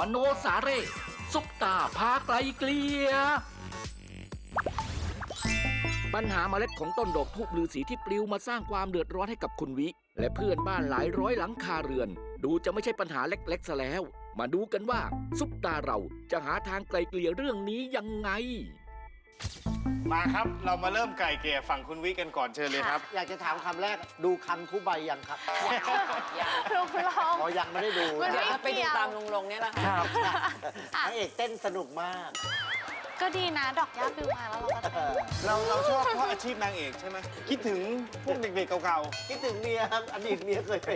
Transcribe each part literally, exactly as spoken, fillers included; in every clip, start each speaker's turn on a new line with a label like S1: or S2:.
S1: มโนสาเร่ซุปตาพาไกลเกลียปัญหาเมล็ดของต้นดอกทูบฤาษีที่ปลิวมาสร้างความเดือดร้อนให้กับคุณวิและเพื่อนบ้านหลายร้อยหลังคาเรือนดูจะไม่ใช่ปัญหาเล็กๆซะแล้วมาดูกันว่าซุปตาเราจะหาทางไกลเกลี่ยเรื่องนี้ยังไง
S2: มาครับเรามาเริ่มไก่เกลี่ยฝั่งคุณวิกันก่อนเชิญเลยครับ
S3: อยากจะถามคำแรกดูคำทุบใบยังครับ
S4: ลุงลง
S3: อ๋อยังไม่ได้ดู
S4: มันไม่
S3: นะ
S4: ไปดูตามลุงลงเนี่ยแหละค่ะ
S3: นางเอกเต้นสนุกมาก
S4: ก็ดีนะดอกย่าปลิวมาแล้วเราก็เต้น
S2: เราเราชอบเพราะอาชีพนางเอกใช่ไหมคิดถึงพวกเด็กๆเก่า
S3: คิดถึงเมียครับอดีตเมียเคยเป็น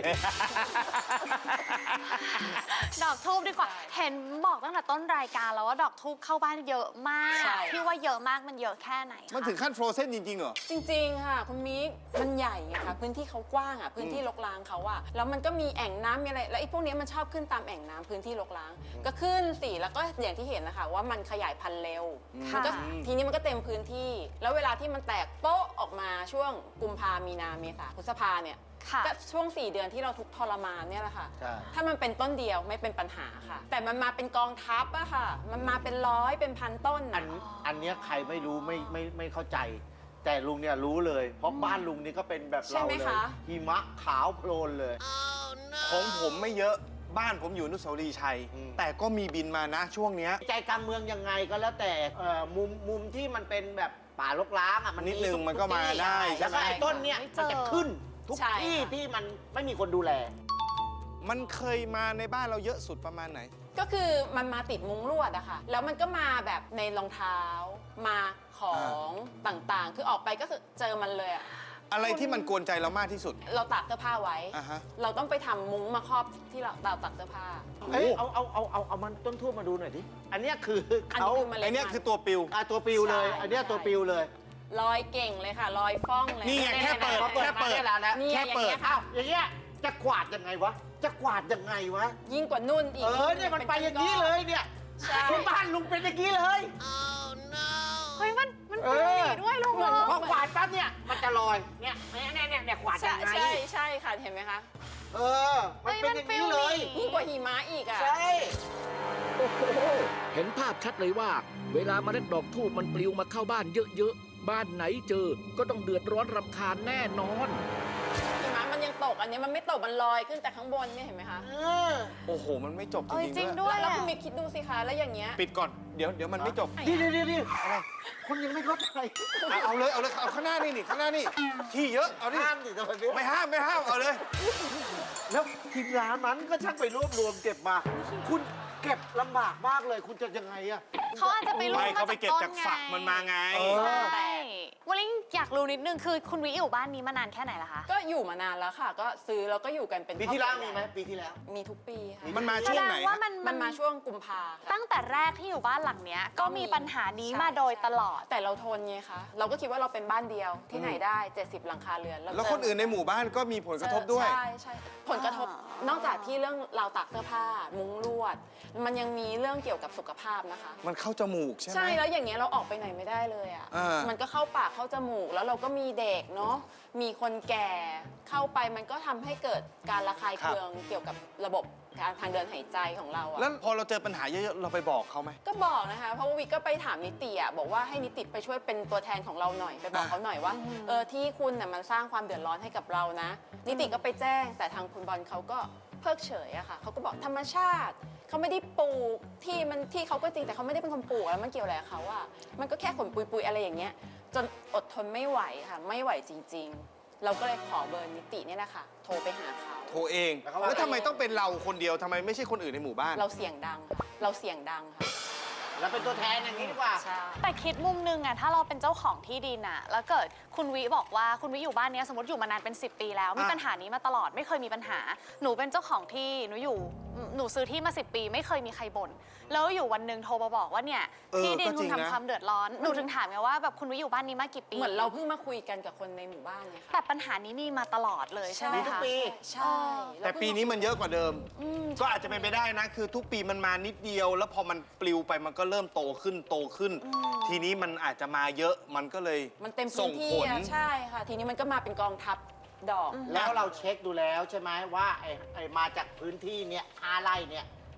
S4: ดอกทูบดีกว่าเห็นบอกตั้งแต่ต้นรายการแล้วว่าดอกทูบเข้าบ้านเยอะมากที่ว่าเยอะมากมันเยอะแค่ไหน
S2: ๆมันถึงขั้นโฟรเซนจริงๆเหรอ
S5: จริงๆ ค่ะคุณมิกมันใหญ่ไงคะพื้นที่เขากว้างอ่ะพื้นที่รกร้างเขาอ่ะแล้วมันก็มีแอ่งน้ำมีอะไรแล้วไอ้พวกนี้มันชอบขึ้นตามแอ่งน้ำพื้นที่รกร้างก็ขึ้นสิแล้วก็อย่างที่เห็นนะคะว่ามันขยายพันธุ์เร็วมันก็ทีนี้มันก็เต็มพื้นที่ แล้วเวลาที่มันแตกโป๊ะออกมาช่วงกุมภามีนาเมษาพฤษภาเนี่ยก็ช่วงสี่เดือนที่เราทุกทรมานเนี่ยแหละค่ะถ้ามันเป็นต้นเดียวไม่เป็นปัญหาค่ะแต่มันมาเป็นกองทัพอะค่ะมันมาเป็นร้อยเป็นพันต้น
S3: อันอันเนี้ยใครไม่รู้ไม่ไม่ไม่เข้าใจ แต่ลุงเนี่ยรู้เลย เพราะบ้านลุงนี่ก็เป็นแบบเราเลยหิมะขาวโพลนเลย
S2: ของผมไม่เยอะบ้านผมอยู่อนุสาวรีย์ชัย แต่ก็มีบินมานะช่วงเนี้ย
S3: ใจกลางเมืองยังไงก็แล้วแต่เอ่อมุมมุมที่มันเป็นแบบป่ารกร้างอ่ะมัน
S2: นิดนึงมันก็มาได้ใช่
S3: แล้ว
S2: ไหม
S3: ก็ไอ้ต้นเนี้ยมันจะขึ้นทุกที่ที่มันไม่มีคนดูแล
S2: มันเคยมาในบ้านเราเยอะสุดประมาณไหน
S5: ก็คือมันมาติดมุ้งลวดอะค่ะแล้วมันก็มาแบบในรองเท้ามาของต่างๆ คือออกไปก็คือเจอมันเลยอะ
S2: อะไรที่มันกวนใจเรามากที่สุด
S5: เราตากเสื้อผ้าไว้
S2: อ่าฮะ
S5: เราต้องไปทำมุ้งมาครอบที่เราเราตากเสื้อผ้า
S3: เอ้ยเอาเอาเอาเอาเอามันต้นทูบมาดูหน่อยดิอันเนี้ยคือ
S5: อัน
S3: เขา
S5: นี้คือเมล็ด
S2: ไอเนี้ยคือตัวปิว
S3: อ่ะตัวปิวเลย
S5: ใช่
S3: อันเนี้ยตัวปิวเลย
S5: ลอยเก่งเลยค่ะลอยฟ้องเลย
S2: นี่ไงแค่เปิด
S3: เขาเปิด
S2: แค่
S3: มา
S2: เปิด
S3: ได้แล้วนะ
S5: นี่
S2: แค่เปิด
S5: อย่างเงี้ยค่ะ
S3: อย่างเงี้ยจะกวาดยังไงวะจะกวาดยังไงวะ
S5: ยิ่งกว่านุ่นอีก
S3: เออเนี่ยมันไปอย่างนี้เลยเนี่ย
S5: ใช่
S3: ที่บ้านลุงเป็นอย่างนี้เลย
S4: เฮ้ยมันมัน
S3: เอ
S4: เป็น
S3: อ
S4: อย่างนี้ด้วยลุงลง
S3: พอกวาดปั๊บเนี่ยมันจะลอยเนี่ยเนี่ยเนี่ยเนี่ยเนี่ยกวาด
S5: ใช่
S3: ยังไง
S5: ใช่ใช่ค่ะเห็นไหมคะ
S3: เออมันเป็นอย่างนี้เลย
S5: ยิ่งกว่าหิมะอีกอะ
S3: ใช่
S1: โอ้โหเห็นภาพชัดเลยว่า เวลาเมล็ดดอกทูบมันปลิวมาเข้าบ้านเยอะๆบ้านไหนเจอก็ต้องเดือดร้อนรำคาญแน่นอน
S5: หิมะมันยังตกอันนี้มันไม่ตกมันลอยขึ้นแต่ข้างบนเนี่ยเห็นไหมคะ
S3: เออ
S2: โอ้โห มันไม่จบจ
S4: เอ้ยจ
S2: ริ
S4: ริ
S2: ง
S4: ง
S2: ๆด้วย
S4: ด้วย
S5: แล้ว
S4: อะ
S5: คุณมิกคิดดูสิคะแล้วอย่างเงี้ย
S2: ปิดก่อนเดี๋ยวเดี๋ยวมันไม่จบ
S3: นี่นี่นี่นี่คนยังไม่เข้าใจ
S2: เอาเอาเลยเอาเลยเอาข้างหน้านี่นี่ข้างหน้านี่ที่เยอะเอาดิ
S3: ห้ามดิทำไม
S2: ไม่ห้ามไม่ห้ามเอาเลย
S3: แล้วทีมงานมันก็ช่างไปรวบรวมเก็บมา คุณเก็บลำบากมากเลยคุณจะยังไงอะ
S4: เขาอาจจะไปรู้
S2: ไม่
S4: มา
S2: เขาไป
S4: จาก
S2: เก็บ
S4: ต้น
S2: จาก
S4: ไง
S2: ฝักมันมาไง
S3: เออ
S4: ใช่วันนี้อยากรู้นิดนึงคือคุณวิอยู่บ้านนี้มานานแค่ไหนละคะ
S5: ก็อยู่มานานแล้วค่ะ ก็ซื้อแล้วก็อยู่กันเป็น
S3: ปีที่แล้ว
S5: ครอบครั
S3: มีไหมปีที่แล้ว
S5: มีทุกปีค่ะ
S2: มันมา
S4: แส
S2: ช่ว
S4: ด
S2: ง
S4: ง
S2: ไหน
S4: ว่า
S2: ฮะ
S4: มัน
S5: มันมาช่วงกุมภาค่ะ
S4: ตั้งแต่แรกที่อยู่บ้านหลังเนี้ยก็มีปัญหานี้มาโดยตลอด
S5: แต่เราทนไงคะเราก็คิดว่าเราเป็นบ้านเดียวที่ไหนได้ เจ็ดสิบ หลังคาเรือนเรา
S2: แล้วคนอื่นในหมู่บ้านก็มีผลกระทบด้วย
S5: ใช่ใช่ผลกระทบนอกจากที่เรื่องราวตากเสื้อผ้า มุ้งลวด มันยังมีเรื่องเกี่ยวกับสุขภาพนะคะ
S2: มันเข้าจมูกใช่ไหม
S5: ใช่แล้วอย่างเงี้ยเราออกไปไหนไม่ได้เลยอ่ะ
S2: อ่ามั
S5: มันก็เข้าปากเข้าจมูก แล้วเราก็มีเด็กเนาะมีคนแก่เข้าไปมันก็ทำให้เกิดการระคายเคืองเกี่ยวกับระบบการทางเดินหายใจของเราอะ
S2: แล้วพอเราเจอปัญหาเยอะๆเราไปบอกเขาไหม
S5: ก็บอกนะคะเพราะว่าวิกก็ไปถามนิติอ่ะบอกว่าให้นิติไปช่วยเป็นตัวแทนของเราหน่อยไปบอก
S2: อ่า
S5: เขาหน่อยว่าเออที่คุณน่ะมันสร้างความเดือดร้อนให้กับเรานะ นิติก็ไปแจ้งแต่ทางคุณบอลเขาก็เพิกเฉยอะค่ะเขาก็บอกธรรมชาติเขาไม่ได้ปลูกที่มันที่เขาก็จริงแต่เขาไม่ได้เป็นคนปลูกแล้วมันเกี่ยวอะไรกับเขาอะมันก็แค่ขนปุยๆอะไรอย่างเงี้ยจนอดทนไม่ไหวค่ะไม่ไหวจริง ๆ เราก็เลยขอเบอร์นิติเนี่ยนะคะโทรไปหาเขา
S2: โทรเอง
S3: แล้วเขาว่า
S2: แล้วทำไมต้องเป็นเราคนเดียวทำไมไม่ใช่คนอื่นในหมู่บ้าน
S5: เราเสียงดังค่ะเราเสียงดังค่ะ
S3: แล้วเป็นตัวแทนอย่างนี้ดีกว่า
S5: ใช่
S4: แต่คิดมุมนึงอะถ้าเราเป็นเจ้าของที่ดินอะแล้วเกิดคุณวิบอกว่าคุณวิอยู่บ้านเนี้ยสมมติอยู่มานานเป็นสิบปีแล้วมี
S2: อ่ะ
S4: ปัญหานี้มาตลอดไม่เคยมีปัญหา หนูเป็นเจ้าของที่หนูอยู่หนูซื้อที่มาสิบปี ไม่เคยมีใครบ่นแล้วอยู่วันหนึ่งโทรมาบอกว่าเนี่ย
S2: เออ
S4: ที่ดิน
S2: ก็จ
S4: คุ
S2: ริ
S4: ณ
S2: ง
S4: ทำ
S2: นะ
S4: ความเดือดร้อนหนูถึงถามไงว่าแบบคุณวิอยู่บ้านนี้มากี่ปี
S5: เหมือนเราเพิ่งมาคุยกันกับคนในหมู่บ้านไงค่ะ
S4: แต่ปัญหานี้มีมาตลอดเลยใช่ไหม
S3: มีทุก
S4: คะ
S3: ปี
S5: ใช่
S2: แต่ปีนี้มันเยอะกว่าเดิม
S5: อืม
S2: ก็อาจจะเป็นไปได้นะ คือทุกปีมันมานิดเดียว แล้วพอมันปลิวไปมันก็เริ่มโตขึ้นโตขึ้น ทีนี้มันอาจจะมาเยอะมันก็เลย
S5: มันเต็ม
S2: ส่
S5: พื้
S2: ง
S5: นที่
S2: ผล
S5: อะใช่ค่ะ ทีนี้มันก็มาเป็นกองทัพดอก
S3: แล้วเราเช็คดูแล้วใช่ไหมว่าไอ้ไอ้มาจากพื้นที่เนี่ยห้าไร่เนี่ย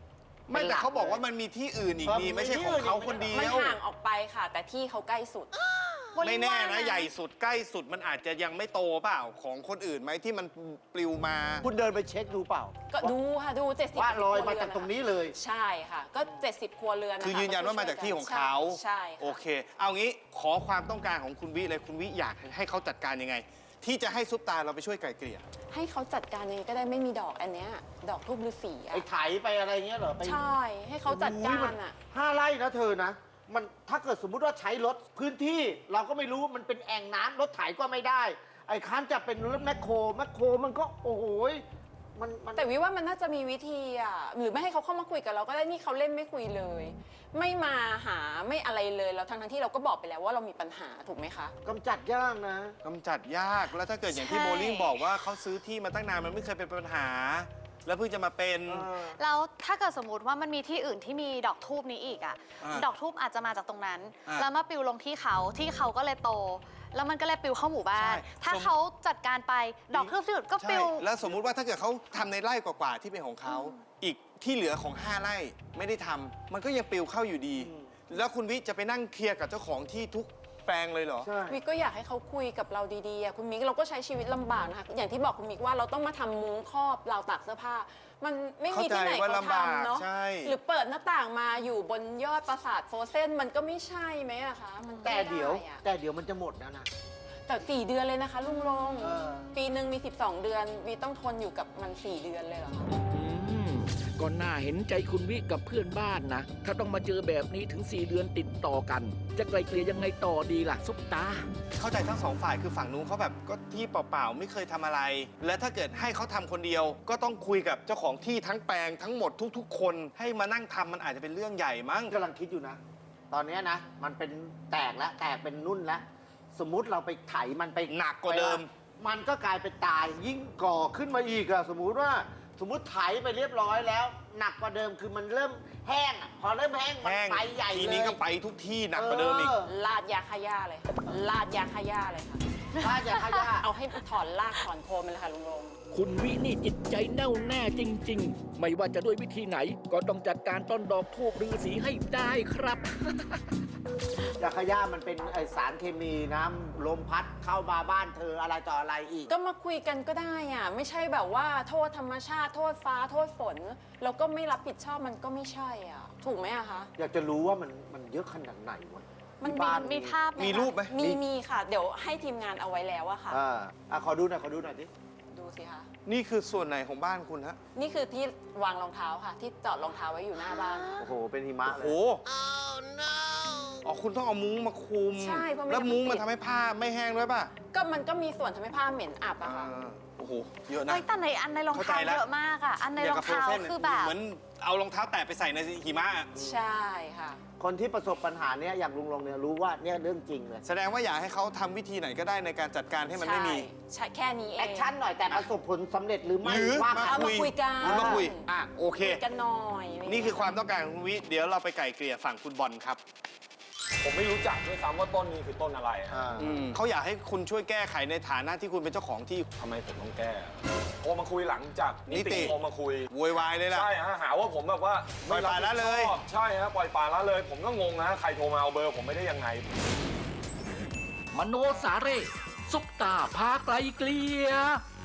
S2: ไม่แต่เขาบอกว่ามันมีที่อื่นอีกนี่ไม่ใช่ของเขาคนเดี
S5: มัน
S2: ยว
S5: ห่างออกไปค่ะ แต่ที่เขาใกล้สุด
S2: ไม่แน่นะใหญ่สุดใกล้สุดมันอาจจะยังไม่โตเปล่าของคนอื่นไหมที่มันปลิวมา
S3: คุณเดินไปเช็คดูเปล่า
S5: ก็ดูค่ะดูเจ็ดสิบ
S3: ว่าลอยมาจากตรงนี้เลย
S5: ใช่ค่ะ ก็เจ็ดสิบครัวเรือนนะคะ
S2: คือยืนยันว่ามาจากที่ของเขา
S5: ใช่ค่ะ
S2: โอเค เอางี้ขอความต้องการของคุณวิเลยคุณวิอยากให้เขาจัดการยังไง ที่จะให้ซุปตาเราไปช่วยไกล่เกลี่ย
S5: ให้เขาจัดการยังไงก็ได้ไม่มีดอกอันเนี้ยดอกทูบฤาษีอะ
S3: ไอ้ไถไปอะไรเงี้ยเหรอไป
S5: ใช่ให้เขาจัดการอ่ะ
S3: ห้าไร่นะเธอนะ มันถ้าเกิดสมมุติว่าใช้รถพื้นที่เราก็ไม่รู้มันเป็นแอ่งน้ำรถไถก็ไม่ได้ ไอ้ค้านจะเป็นรถแมคโครแมคโครมันก็โอ้โหยมันมัน
S5: แต่วิว่ามันน่าจะมีวิธีอ่ะหรือไม่ให้เขาเข้ามาคุยกับเราก็ได้นี่เขาเล่นไม่คุยเลย ไม่มาหาไม่อะไรเลยแล้วทั้งทั้งที่เราก็บอกไปแล้วว่าเรามีปัญหาถูกไหมคะ
S3: กำจัดยากนะ
S2: กำจัดยากแล้วถ้าเกิดอย่างที่
S5: ใช่
S2: โบลิ่งบอกว่าเขาซื้อที่มาตั้งนานมันไม่เคยเป็นปัญหา แล้วเพิ่งจะมาเป็น
S4: แล้วถ้าเกิดสมมติว่ามันมีที่อื่นที่มีดอกทูบนี้อีกอะ
S2: อ่า
S4: ดอกทูบอาจจะมาจากตรงนั้น
S2: อ่า
S4: แล้วมาปลิวลงที่เขาที่เขาก็เลยโต แล้วมันก็เลยปลิวเข้าหมู่บ้าน
S2: ใช่
S4: ถ้า
S2: สม
S4: เขาจัดการไปดอกทูบที่อื่นก็ป
S2: ใช่
S4: ลิว
S2: แล้วสมมุติว่าถ้าเกิดเขาทำในไร่กว่าๆที่เป็นของเขาอีกที่เหลือของห้าไร่ไม่ได้ทำมันก็ยังปลิวเข้าอยู่ดี แล้วคุณวิจะไปนั่งเคลียร์กับเจ้าของที่ทุกแปลงเลยเหรอ
S3: ใช่
S5: มิกก็อยากให้เขาคุยกับเราดีๆอะคุณมิกเราก็ใช้ชีวิตลำบากนะคะอย่างที่บอกคุณมิกว่าเราต้องมาทำมุ้งครอบราวตากเสื้อผ้า มันไม่มีที่ไหน
S2: เข้าใจว่า
S5: เขา
S2: ลำบาก
S5: ทำเนาะ
S2: ใช่
S5: หรือเปิดหน้าต่างมาอยู่บนยอดปราสาทโฟเซนมันก็ไม่ใช่ไหมอะคะมันก็
S3: แต่
S5: ไม่ไ
S3: เดี๋ยว
S5: อะ
S3: แต่เดี๋ยวมันจะหมดแล้วนะ
S5: แต่สี่เดือนเลยนะคะลุงลง
S3: เออ
S5: ปีหนึ่งมีสิบสองเดือนวีต้องทนอยู่กับมันสี่เดือนเลยเหรอคะ
S1: อืมก็น่าเห็นใจคุณวิกับเพื่อนบ้านนะ ถ้าต้องมาเจอแบบนี้ถึง สี่ เดือนติดต่อกัน จะไกลเกลี่ยยังไงต่อดีล่ะซุปตา
S2: เข้าใจทั้งสองฝ่ายคือฝั่งนู้นเขาแบบก็ที่เปล่าๆไม่เคยทำอะไร และถ้าเกิดให้เขาทำคนเดียว ก็ต้องคุยกับเจ้าของที่ทั้งแปลงทั้งหมดทุกๆ คนให้มานั่งทำมันอาจจะเป็นเรื่องใหญ่มั้ง
S3: กำลังคิดอยู่นะ ตอนเนี้ยนะ มันเป็นแตกแล้วแตกเป็นนุ่นแล้ว สมมุติเราไปไถมันไป
S2: หนักกว่าเดิม
S3: มันก็กลายเป็นตายยิ่งก่อขึ้นมาอีกอะสมมุติว่าสมมุติไถไปเรียบร้อยแล้ว หนักกว่าเดิมคือมันเริ่มแห้งอะพอเริ่มแห้งมัน
S2: แห้ง
S3: ไปใหญ่เลย
S2: ทีนี้ก็ไปทุกที่หนักกว่าเดิมอีก
S5: ลาดยาฆ่าหญ้าเลยค่ะลาดยาฆ่าหญ้าเลยค่ะ
S3: ถ้าจะขยะ
S5: เอาให้ถอนรากถอนโคนมันเลยค่ะลุงลง
S1: คุณวินี่จิตใจแน่วแน่จริง ๆ ไม่ว่าจะด้วยวิธีไหน ก็ต้องจัดการต้นดอกทูบฤาษีให้ได้ครับ
S3: ยาขยะมันเป็นไอสารเคมีน้ำลมพัดเข้ามาบ้านเธออะไรต่ออะไรอีก
S5: ก็มาคุยกันก็ได้อ่ะไม่ใช่แบบว่าโทษธรรมชาติโทษฟ้าโทษฝนแล้วก็ไม่รับผิดชอบมันก็ไม่ใช่อ่ะถูกไหมอะคะ
S3: อยากจะรู้ว่ามันมันเยอะขนาดไหนวะ
S5: มัน
S3: ที่บ้าน
S4: มีภาพไหม
S2: มี
S4: คะ
S2: รูปไหม
S5: มีมีค่ะ เดี๋ยวให้ทีมงานเอาไว้แล้วอะค่ะ
S3: อ่าอ่ะขอดูหน่อยขอดูหน่อยดิ
S5: ดูสิคะ
S2: นี่คือส่วนไหนของบ้านคุณฮะ
S5: นี่คือที่วางรองเท้าค่ะ ที่จอดรองเท้าไว้อยู่หน้าบ้าน
S3: โอ้โห เป็นหิมะเล
S2: โอ้
S3: ย
S2: โหอ๋อคุณต้องเอามุ้งมาคลุม
S5: ใช่เพราะไม่
S2: แล้วมุ้ง
S5: งั้นมั
S2: มัน น
S5: ติด
S2: ทำให้ผ้าไม่แห้งด้วยป่ะ
S5: ก็มันก็มีส่วนทำให้ผ้าเหม็นอับอะ
S2: อ่า
S5: ค่ะ
S2: โอ้โห เยอะนะ
S4: เฮ้ยแต่ในอันในรอง
S2: เข้าใจ
S4: เท้า
S2: แล้ว
S4: เยอะมากอะอันในรองเท้า
S2: ย่กับ
S4: คือแบบ
S2: เหมือนเอารองเท้าแตะไปใส่ในหิมะอะ
S5: ใช่ค่ะ
S3: คนที่ประสบปัญหาเนี้ยอย่างลุงลงเนี่ยรู้ว่าเนี่ยเรื่องจริงเลย
S2: แสดงว่าอยากให้เขาทำวิธีไหนก็ได้ในการจัดการให้มันไม่มี
S5: ใช่ใช่แค่นี้เอง
S3: แอคชั่นหน่อยแต่ประสบผลสำเร็จหรือไม่
S2: หรือ
S3: ว่า
S2: มา
S3: กัน
S5: เอามาคุยกัน
S2: หรือมาคุย อ่ะ โอเค
S5: คุยกันหน่อย
S2: นี่คือความต้องการของคุณวิ เดี๋ยวเราไปไก่เกลี่ยฝั่งคุณบอลครับ
S6: ผมไม่รู้จักด้วยซ้ำว่าต้นนี้คือต้นอะไรอะ
S3: อ่า
S2: เขาอยากให้คุณช่วยแก้ไขในฐานะที่คุณเป็นเจ้าของที่
S6: ทำไมผมต้องแก้โทรมาคุยหลังจากนิ
S2: นิติ
S6: ติโทรมาคุย
S2: โวยวายเลยล่ะ
S6: ใช่ฮะหาว่าผมแบบว่า
S2: ปล่อยปละละเลย
S6: ไม่รับผิดชอบใช่ฮะปล่อยปละละเลย ผมก็งงนะใครโทรมาเอาเบอร์ผมไม่ได้ยังไง
S1: มโนสาเร่ซุปตาพาไกลเกลี่ย